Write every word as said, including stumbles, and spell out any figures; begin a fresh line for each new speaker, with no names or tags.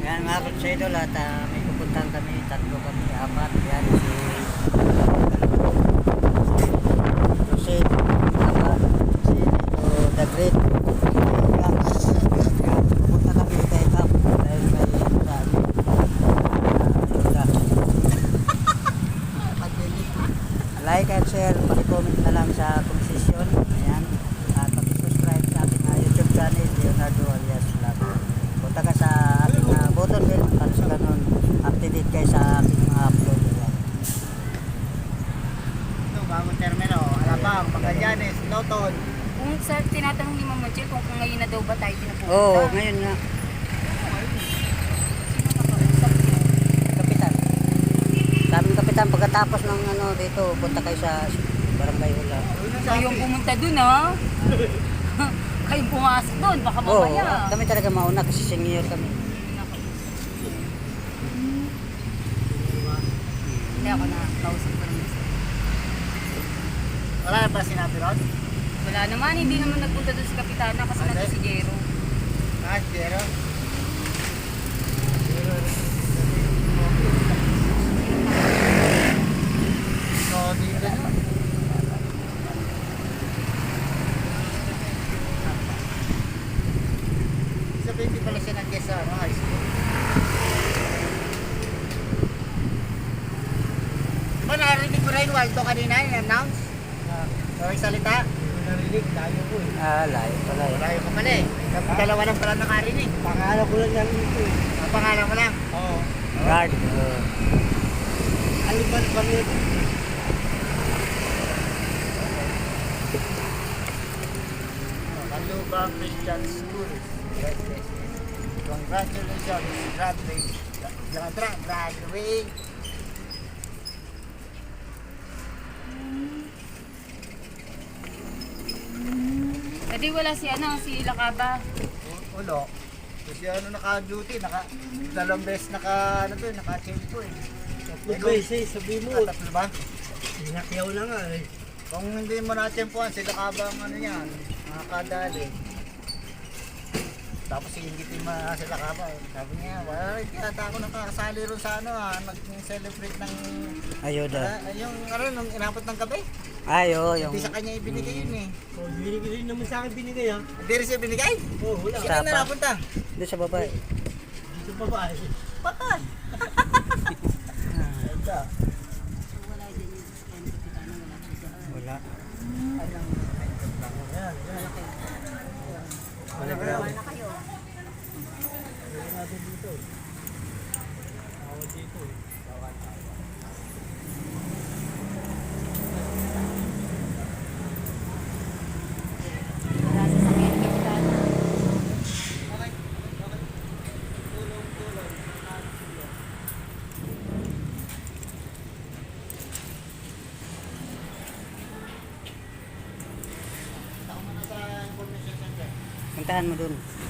Yan mga konsidol at uh, may pupuntahan kami, tatlo kami, apat. Yan si si apat, si Lito the Great. Yan, yan, pupunta kami kay Cap dahil may ano sa amin. Like and share, pag-comment na lang sa konsesyon. Ayan. At pag-subscribe sa ating uh, YouTube channel, Leonardo alias Vlog. Punta ka sa ating uh, button bell para sa ganun up-to-date kayo sa ating mga upload. Ayan.
Ito, bagong termino. Alabang, Magallanes, Loton.
Kung sa tinatanong ni Mama Jill kung, kung ngayon na daw ba tayo pinapunta.
Oo, oh, ngayon nga.
Sino nakausap niyo?
Kapitan. Sabi ng kapitan, pagkatapos ng ano dito, punta kayo sa barangay Hula.
Kayong pumunta dun ha? Kayong pumasok dun, baka
Oo,
mamaya.
kami talaga mauna kasi senior kami.
Hindi ako na kausap ko naman siya.
Wala na ba sinabi ron?
Wala naman, hindi naman nagpunta dun si Kapitana kasi
Ate?
nandun si Jero.
Ah, Jero. So, dito na. Sabihin di pala siya nag-guess sa ano, high school. Diba narinig mo rin, Waldo, kanina, in-announce? Uh, May salita? Narinig, tayo ko eh.
Ah, layo pala eh.
Malayo ka pala eh. Dalawa lang pala nakarinig. Pangalan ko lang yan ito eh. Ang pangalan mo lang? Oo.
Guard. Uh,
Aliban pa rin. Kalubang Christian School. Congratulations, graduate. Graduate. Graduate.
Kasi wala si ano, si Lakaba.
Ulo. Kasi ano naka-duty, naka dalawang beses naka ano to, naka-change ko eh.
Tatlong beses, sabi mo.
Ah, tatlo ba?
Sinakyaw na nga eh.
Kung hindi mo na-tempuhan, sila ka bang ano yan, nakakadali. Tapos singitin mo na sila ka ba. Sabi niya, wala rin yata ako nakakasali rin sa ano ha, nag-celebrate ng
ayuda.
ah, yung ano, nung inabot ng gabi.
Ay, oo, yung...
Hindi sa kanya ibinigay yun eh.
Oh, binigay rin naman sa akin binigay ha.
Hindi rin siya binigay?
Oh, wala.
Sino
Tapa.
na napunta?
Doon sa babae.
Dito pa ba eh.
Patay! Ito.
Wala din yung Kapitana, wala siya.
Wala.
Anong
Ayan, ayan.
Wala
Wala
ka
Wala kayo.
Wala natin dito. Awad dito eh.
Wala sa sakyan ni Kapitana.
Tao mo na sa information center.
Puntahan mo doon.